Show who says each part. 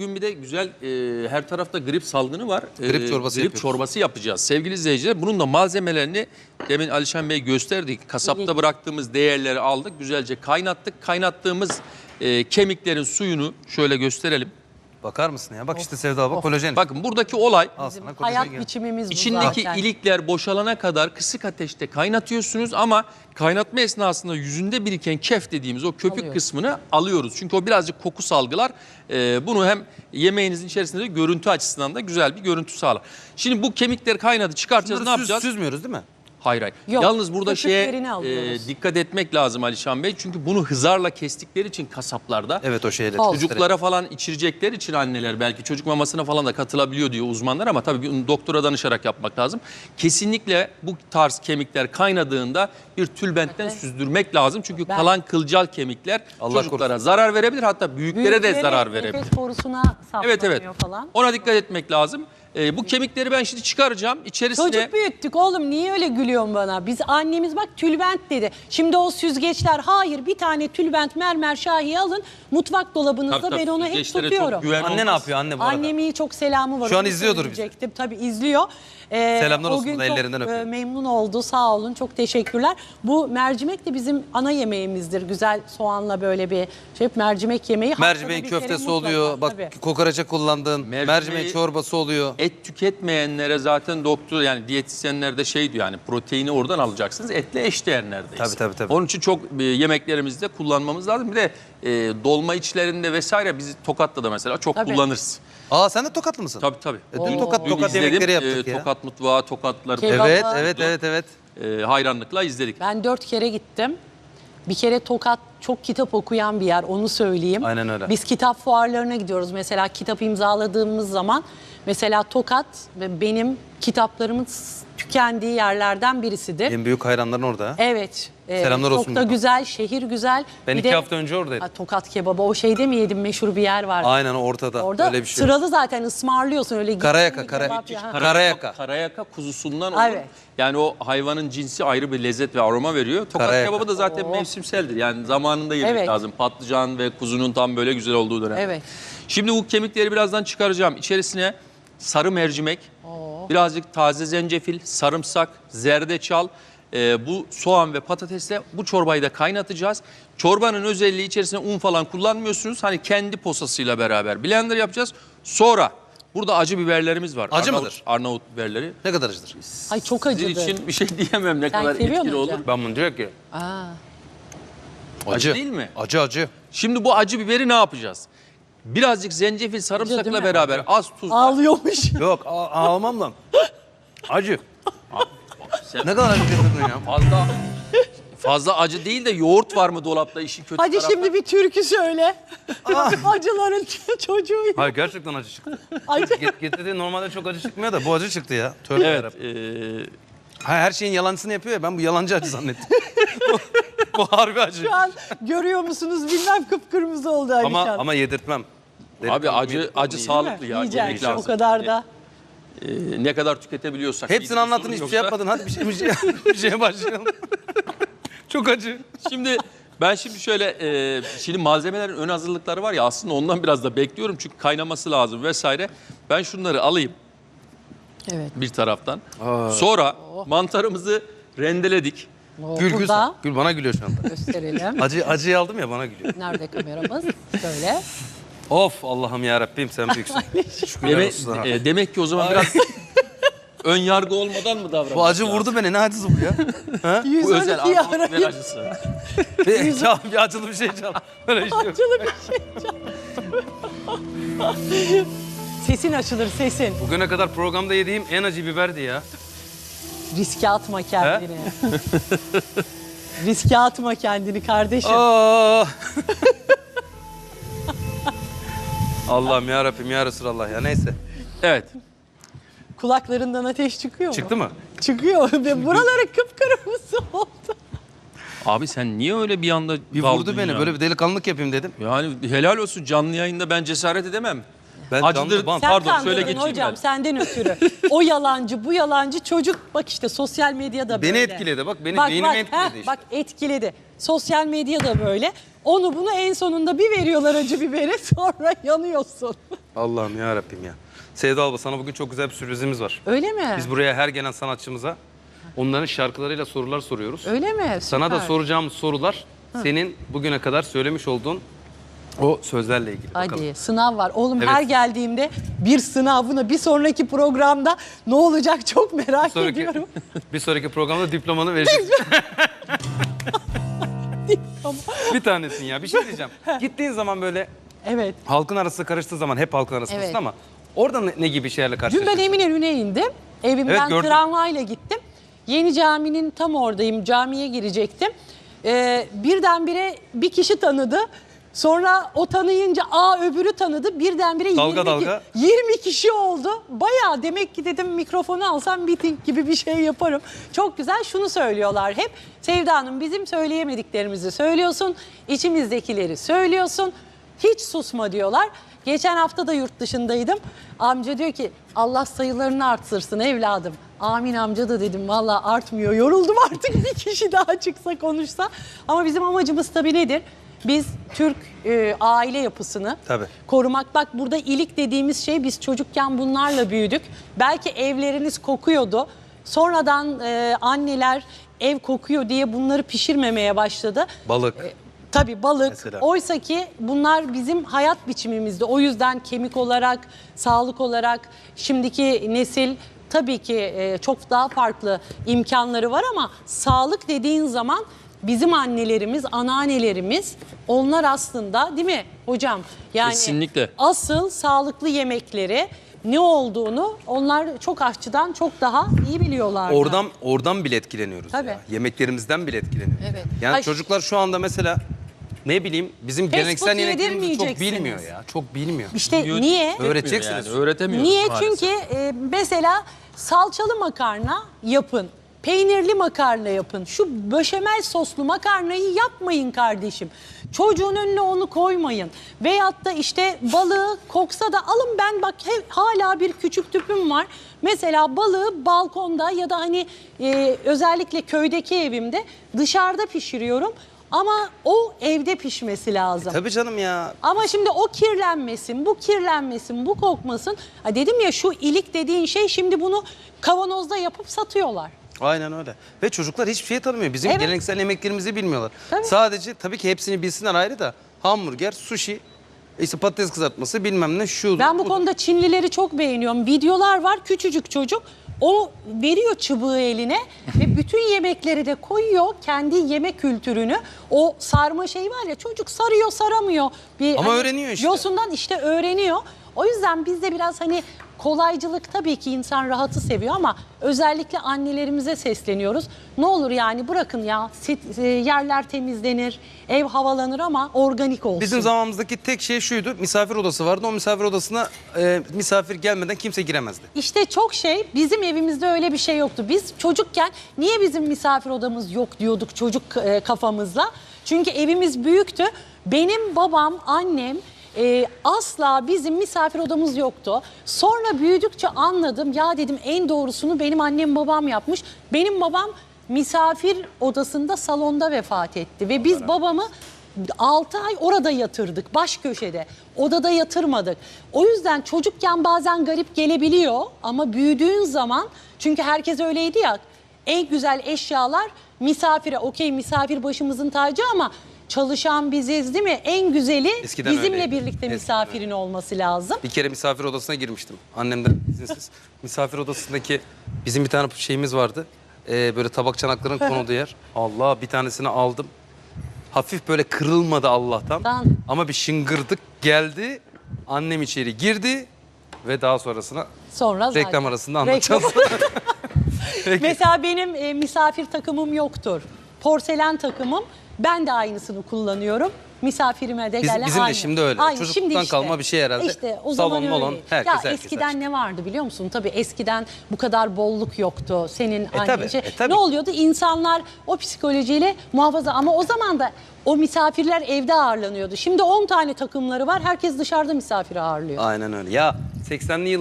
Speaker 1: bugün bir de güzel her tarafta grip salgını var.
Speaker 2: Grip çorbası
Speaker 1: grip çorbası yapacağız. Sevgili izleyiciler bunun da malzemelerini demin Alişan Bey gösterdi. Kasapta bıraktığımız değerleri aldık. Güzelce kaynattık. Kaynattığımız kemiklerin suyunu şöyle gösterelim.
Speaker 2: Bakar mısın ya? Bak işte Sevda bak kolajen.
Speaker 1: Bakın buradaki olay
Speaker 3: Hayat biçimimiz bu
Speaker 1: içindeki
Speaker 3: zaten.
Speaker 1: ilikler boşalana kadar kısık ateşte kaynatıyorsunuz ama kaynatma esnasında yüzünde biriken kef dediğimiz o köpük kısmını alıyoruz. Çünkü o birazcık koku salgılar. Bunu hem yemeğinizin içerisinde de görüntü açısından da güzel bir görüntü sağlar. Şimdi bu kemikleri kaynadı çıkartacağız, ne yapacağız?
Speaker 2: Süzmüyoruz değil mi?
Speaker 1: Hayır hayır.
Speaker 3: Yok,
Speaker 1: Yalnız burada
Speaker 3: köpüklerini alıyoruz.
Speaker 1: dikkat etmek lazım Alişan Bey. Çünkü bunu hızarla kestikleri için kasaplarda.
Speaker 2: Evet o şeyle.
Speaker 1: Çocuklara falan içirecekleri için anneler belki çocuk mamasına falan da katılabiliyor diyor uzmanlar ama tabii bir doktora danışarak yapmak lazım. Kesinlikle bu tarz kemikler kaynadığında bir tülbentten süzdürmek lazım. Çünkü kalan kılcal kemikler çocuklara zarar verebilir, hatta büyüklere de zarar verebilir.
Speaker 3: Nefes borusuna
Speaker 1: Evet
Speaker 3: saplanıyor falan.
Speaker 1: Ona dikkat etmek lazım. Bu kemikleri ben şimdi çıkaracağım. İçerisine...
Speaker 3: Çocuk büyüttük oğlum, niye öyle gülüyorsun bana? Biz annemiz bak tülbent dedi. Şimdi o süzgeçler, hayır bir tane tülbent mermer şahiye alın mutfak dolabınızda,
Speaker 1: Tabii,
Speaker 3: ben onu hep
Speaker 1: süzgeçlere çok
Speaker 3: tutuyorum.
Speaker 1: güven
Speaker 2: Anne
Speaker 1: olmaz.
Speaker 2: ne yapıyor anne bu arada?
Speaker 3: Annemin çok selamı var.
Speaker 2: Şu an
Speaker 3: onu
Speaker 2: izliyordur bizi.
Speaker 3: söyleyecektim. Tabii izliyor.
Speaker 2: Selamlar
Speaker 3: o
Speaker 2: olsun
Speaker 3: gün
Speaker 2: da
Speaker 3: çok,
Speaker 2: ellerinden öpüyorum.
Speaker 3: memnun oldu, sağ olun, çok teşekkürler. Bu mercimek de bizim ana yemeğimizdir. Güzel soğanla böyle bir mercimek yemeği.
Speaker 2: Mercimeğin
Speaker 3: Haftada bir kere
Speaker 2: köftesi
Speaker 3: mutlaka,
Speaker 2: oluyor. Bak
Speaker 3: tabii.
Speaker 2: kokoreçe kullandın. Mercimeğin çorbası oluyor.
Speaker 1: Et tüketmeyenlere zaten doktor, yani diyetisyenler de şey diyor, yani proteini oradan alacaksınız. Etle eşdeğer neredeyse.
Speaker 2: Tabii.
Speaker 1: Onun için çok yemeklerimizde kullanmamız lazım. Bir de dolma içlerinde vesaire biz Tokat'ta da mesela çok kullanırız.
Speaker 2: Aa sen de Tokatlı mısın?
Speaker 1: Tabii.
Speaker 2: Dün Tokat
Speaker 1: İzledim.
Speaker 2: yemekleri yaptık ya.
Speaker 1: Tokat mutfağı, Tokatlılar.
Speaker 3: Kebap.
Speaker 2: Evet.
Speaker 1: Hayranlıkla izledik.
Speaker 3: Ben 4 kere gittim. Bir kere Tokat çok kitap okuyan bir yer, onu söyleyeyim.
Speaker 2: Aynen öyle.
Speaker 3: Biz kitap fuarlarına gidiyoruz. Mesela kitap imzaladığımız zaman mesela Tokat benim kitaplarımın tükendiği yerlerden birisidir.
Speaker 2: En büyük hayranların orada.
Speaker 3: Evet.
Speaker 2: Selamlar olsun
Speaker 3: Çok da
Speaker 2: buradan.
Speaker 3: güzel, şehir güzel.
Speaker 2: Ben
Speaker 3: Bir
Speaker 2: 2
Speaker 3: de-
Speaker 2: hafta önce oradaydım.
Speaker 3: Ha, Tokat kebabı, o şeyde mi yedim, meşhur bir yer var.
Speaker 2: Aynen ortada.
Speaker 3: Orada
Speaker 2: öyle bir şey.
Speaker 3: sıralı zaten ısmarlıyorsun öyle.
Speaker 2: Karayaka,
Speaker 3: gittin mi kebap ya.
Speaker 2: Karayaka.
Speaker 1: Karayaka kuzusundan olur.
Speaker 3: Evet.
Speaker 1: Yani o hayvanın cinsi ayrı bir lezzet ve aroma veriyor. Tokat
Speaker 2: Karayaka.
Speaker 1: kebabı da zaten mevsimseldir. Yani zamanında yemek
Speaker 3: Evet.
Speaker 1: lazım. Patlıcan ve kuzunun tam böyle güzel olduğu dönem.
Speaker 3: Evet.
Speaker 1: Şimdi bu kemikleri birazdan çıkaracağım. İçerisine sarı mercimek, birazcık taze zencefil, sarımsak, zerdeçal, bu soğan ve patatesle bu çorbayı da kaynatacağız. Çorbanın özelliği, içerisine un falan kullanmıyorsunuz. Hani kendi posasıyla beraber blender yapacağız. Sonra burada acı biberlerimiz var.
Speaker 2: Acı mıdır?
Speaker 1: Arnavut biberleri.
Speaker 2: Ne kadar acıdır?
Speaker 3: Ay çok
Speaker 1: Sizin
Speaker 3: acıdı.
Speaker 1: için bir şey diyemem ne
Speaker 3: Sen
Speaker 1: kadar
Speaker 3: seviyor
Speaker 1: etkili
Speaker 3: musun
Speaker 1: olur.
Speaker 3: hocam?
Speaker 2: Ben bunu diyor ki.
Speaker 3: Aa.
Speaker 1: Acı değil mi?
Speaker 2: Acı.
Speaker 1: Şimdi bu acı biberi ne yapacağız? Birazcık zencefil,
Speaker 3: değil
Speaker 1: sarımsakla
Speaker 3: mi?
Speaker 1: beraber az tuz.
Speaker 3: Ağlıyormuş.
Speaker 2: Yok almam lan. Acı.
Speaker 1: Sen
Speaker 2: Ne kadar acı getirdin ya?
Speaker 1: fazla acı değil de yoğurt var mı dolapta, işin kötü
Speaker 3: Hadi
Speaker 1: tarafı.
Speaker 3: şimdi bir türkü söyle. Acıların çocuğu.
Speaker 2: Hayır gerçekten acı çıktı.
Speaker 3: Acı.
Speaker 2: Getirdiği normalde çok acı çıkmıyor da bu acı çıktı ya. Tövbe
Speaker 1: Evet.
Speaker 2: yarabbim. Her şeyin yalancısını yapıyor ya, ben bu yalancı acı zannettim. bu harbi acı.
Speaker 3: Şu an görüyor musunuz bilmem, kıpkırmızı oldu Alişan.
Speaker 2: Ama yedirtmem.
Speaker 1: Abi acı sağlıklı ya.
Speaker 3: Yiyeceksin.
Speaker 1: Yemek lazım.
Speaker 3: O kadar da.
Speaker 1: Ne kadar tüketebiliyorsak.
Speaker 2: Hepsini
Speaker 1: bir
Speaker 2: anlattın,
Speaker 1: sorun
Speaker 2: hiçbir şey
Speaker 1: yoksa.
Speaker 2: yapmadın. Hadi bir şeye başlayalım. Çok acı.
Speaker 1: Şimdi ben şöyle şimdi malzemelerin ön hazırlıkları var ya, aslında ondan biraz da bekliyorum çünkü kaynaması lazım vesaire. Ben şunları alayım
Speaker 3: Evet.
Speaker 1: bir taraftan. Sonra mantarımızı rendeledik.
Speaker 2: Gül
Speaker 3: Burada
Speaker 2: Gül bana gülüyor şu anda.
Speaker 3: gösterelim.
Speaker 2: Acıyı aldım ya, bana gülüyor.
Speaker 3: Nerede kameramız? Şöyle.
Speaker 2: Of Allah'ım ya Rabbim, sen büyüksün. Şükürler olsun sana.
Speaker 1: Demek ki o zaman biraz ön yargı olmadan mı davranmak
Speaker 2: Bu acı
Speaker 1: lazım?
Speaker 2: vurdu beni, ne acısı bu ya?
Speaker 1: Bu özel
Speaker 3: 112
Speaker 1: Arnavut biber
Speaker 3: arayın.
Speaker 1: acısı.
Speaker 2: Çal, bir acılı bir şey çal. Öyle şey yok.
Speaker 3: Acılı bir şey. Sesin açılır, sesin.
Speaker 2: Bugüne kadar programda yediğim en acı biberdi ya.
Speaker 3: Riske atma kendini. Riske atma kendini kardeşim.
Speaker 2: Aa. Allah'ım ya Rabbim ya Resulallah ya, neyse.
Speaker 1: Evet.
Speaker 3: Kulaklarından ateş çıkıyor mu?
Speaker 2: Çıktı mı?
Speaker 3: Çıkıyor. Ve buraları kıpkırmızı oldu.
Speaker 1: Abi sen niye öyle bir anda
Speaker 2: Bir
Speaker 1: daldın
Speaker 2: vurdu beni,
Speaker 1: ya?
Speaker 2: böyle bir delikanlılık yapayım dedim.
Speaker 1: Yani helal olsun, canlı yayında ben cesaret edemem.
Speaker 2: Ben
Speaker 1: Acıdır.
Speaker 2: canlı bant.
Speaker 3: Sen
Speaker 1: Pardon,
Speaker 3: kandırdın
Speaker 1: şöyle geçeyim
Speaker 3: hocam,
Speaker 1: ben.
Speaker 3: senden ötürü. O yalancı, bu yalancı çocuk. Bak işte sosyal medyada
Speaker 2: Beni
Speaker 3: böyle.
Speaker 2: etkiledi, bak benim beynimi etkiledi işte.
Speaker 3: Bak etkiledi. Sosyal medyada böyle. Onu bunu en sonunda bir veriyorlar acı biberi, sonra yanıyorsun.
Speaker 2: Allah'ım ya Rabbim ya. Sevda abla sana bugün çok güzel bir sürprizimiz var.
Speaker 3: Öyle mi?
Speaker 2: Biz buraya her gelen sanatçımıza onların şarkılarıyla sorular soruyoruz.
Speaker 3: Öyle mi?
Speaker 2: Sana da
Speaker 3: Süper.
Speaker 2: soracağımız sorular senin bugüne kadar söylemiş olduğun o sözlerle ilgili.
Speaker 3: Hadi
Speaker 2: Bakalım.
Speaker 3: sınav var. Oğlum
Speaker 2: Evet.
Speaker 3: her geldiğimde bir sınav, buna bir sonraki programda ne olacak çok merak ediyorum.
Speaker 2: Bir sonraki programda diplomanı vereceğiz. Bir tanesin ya. Bir şey diyeceğim. Gittiğin zaman böyle
Speaker 3: Evet.
Speaker 2: halkın arası karıştığı zaman hep halkın arasındasın
Speaker 3: Evet.
Speaker 2: ama orada ne gibi şeylerle
Speaker 3: Dün
Speaker 2: karşılaşıyorsun?
Speaker 3: ben Eminönü'ne indim. Evimden
Speaker 2: Evet, gördüm.
Speaker 3: tramvayla gittim. Yeni caminin tam oradayım. Camiye girecektim. Birdenbire bir kişi tanıdı. Sonra o tanıyınca öbürü tanıdı. Birdenbire
Speaker 2: Dalga
Speaker 3: 20 kişi oldu. Bayağı demek ki dedim mikrofonu alsam miting gibi bir şey yaparım. Çok güzel, şunu söylüyorlar hep. Sevda Hanım, bizim söyleyemediklerimizi söylüyorsun. İçimizdekileri söylüyorsun. Hiç susma diyorlar. Geçen hafta da yurt dışındaydım. Amca diyor ki Allah sayılarını arttırsın evladım. Amin amca da dedim, valla artmıyor. Yoruldum artık, bir kişi daha çıksa konuşsa. Ama bizim amacımız tabii nedir? Biz Türk aile yapısını
Speaker 2: Tabii.
Speaker 3: korumak. Bak burada ilik dediğimiz şey, biz çocukken bunlarla büyüdük. Belki evleriniz kokuyordu. Sonradan anneler ev kokuyor diye bunları pişirmemeye başladı.
Speaker 2: Balık.
Speaker 3: Tabii balık.
Speaker 2: Mesela.
Speaker 3: Oysa ki bunlar bizim hayat biçimimizde. O yüzden kemik olarak, sağlık olarak şimdiki nesil tabii ki çok daha farklı imkanları var ama sağlık dediğin zaman bizim annelerimiz, anneannelerimiz, onlar aslında, değil mi hocam? Yani
Speaker 1: Kesinlikle.
Speaker 3: asıl sağlıklı yemekleri ne olduğunu onlar çok aşçıdan çok daha iyi biliyorlar.
Speaker 2: Oradan bile etkileniyoruz.
Speaker 3: Tabii.
Speaker 2: Ya. Yemeklerimizden bile etkileniyoruz.
Speaker 3: Evet.
Speaker 2: Yani
Speaker 3: Ay,
Speaker 2: çocuklar şu anda mesela ne bileyim bizim
Speaker 3: Fast
Speaker 2: geleneksel
Speaker 3: food
Speaker 2: yemeklerimizi çok
Speaker 3: yedirmeyeceksiniz.
Speaker 2: bilmiyor ya. Çok bilmiyor.
Speaker 3: İşte niye?
Speaker 2: Öğreteceksiniz.
Speaker 1: Yani, öğretemiyoruz
Speaker 3: Niye?
Speaker 1: maalesef.
Speaker 3: Çünkü mesela salçalı makarna yapın. Peynirli makarna yapın. Şu beşamel soslu makarnayı yapmayın kardeşim. Çocuğun önüne onu koymayın. Veyahut da işte balığı koksa da alın, ben bak hala bir küçük tüpüm var. Mesela balığı balkonda ya da hani özellikle köydeki evimde dışarıda pişiriyorum. Ama o evde pişmesi lazım.
Speaker 2: Tabii canım ya.
Speaker 3: Ama şimdi o kirlenmesin, bu kirlenmesin, bu kokmasın. Ha dedim ya, şu ilik dediğin şey, şimdi bunu kavanozda yapıp satıyorlar.
Speaker 2: Aynen öyle. Ve çocuklar hiçbir şey tanımıyor. Bizim
Speaker 3: Evet.
Speaker 2: geleneksel yemeklerimizi bilmiyorlar.
Speaker 3: Tabii.
Speaker 2: Sadece tabii ki hepsini bilsinler ayrı da hamburger, sushi, işte patates kızartması bilmem ne şu.
Speaker 3: Ben bu konuda Çinlileri çok beğeniyorum. Videolar var, küçücük çocuk. O veriyor çubuğu eline ve bütün yemekleri de koyuyor, kendi yemek kültürünü. O sarma şey var ya, çocuk sarıyor saramıyor.
Speaker 2: Ama öğreniyor işte.
Speaker 3: Yosundan işte öğreniyor. O yüzden bizde biraz hani kolaycılık, tabii ki insan rahatı seviyor ama özellikle annelerimize sesleniyoruz. Ne olur yani bırakın ya, yerler temizlenir, ev havalanır ama organik olsun.
Speaker 2: Bizim zamanımızdaki tek şey şuydu. Misafir odası vardı. O misafir odasına misafir gelmeden kimse giremezdi.
Speaker 3: İşte çok şey, bizim evimizde öyle bir şey yoktu. Biz çocukken niye bizim misafir odamız yok diyorduk çocuk kafamızla. Çünkü evimiz büyüktü. Benim babam, annem asla bizim misafir odamız yoktu. Sonra büyüdükçe anladım. Ya dedim, en doğrusunu benim annem babam yapmış. Benim babam misafir odasında, salonda vefat etti. Ve biz babamı 6 ay orada yatırdık, baş köşede. Odada yatırmadık. O yüzden çocukken bazen garip gelebiliyor ama büyüdüğün zaman, çünkü herkes öyleydi ya, en güzel eşyalar misafire, okey misafir başımızın tacı ama çalışan biziz, değil mi? En güzeli
Speaker 2: Eskiden
Speaker 3: bizimle
Speaker 2: öyleydi.
Speaker 3: birlikte
Speaker 2: Eskiden
Speaker 3: misafirin olması lazım.
Speaker 2: Bir kere misafir odasına girmiştim. Annemden izinsiz. Misafir odasındaki bizim bir tane şeyimiz vardı. Böyle tabak çanakların konulduğu yer. Allah, bir tanesini aldım. Hafif böyle kırılmadı Allah'tan.
Speaker 3: Tamam.
Speaker 2: Ama bir şıngırdık geldi. Annem içeri girdi ve daha sonrasına
Speaker 3: Sonra zaten.
Speaker 2: reklam arasında anlatacağız. Peki.
Speaker 3: Mesela benim misafir takımım yoktur. Porselen takımım. Ben de aynısını kullanıyorum. Misafirime de gelen
Speaker 2: Bizim de
Speaker 3: aynı.
Speaker 2: şimdi öyle.
Speaker 3: Aynı.
Speaker 2: Çocukluktan
Speaker 3: Şimdi
Speaker 2: kalma bir şey herhalde.
Speaker 3: İşte o
Speaker 2: Salon,
Speaker 3: zaman
Speaker 2: molon,
Speaker 3: öyle.
Speaker 2: herkes
Speaker 3: Eskiden
Speaker 2: her şey.
Speaker 3: ne vardı biliyor musun? Tabii eskiden bu kadar bolluk yoktu. Senin
Speaker 2: tabii,
Speaker 3: annece.
Speaker 2: tabii.
Speaker 3: Ne oluyordu? İnsanlar o psikolojiyle muhafaza, ama o zaman da o misafirler evde ağırlanıyordu. Şimdi 10 tane takımları var. Herkes dışarıda misafir ağırlıyor.
Speaker 2: Aynen öyle. Ya 80'li yıl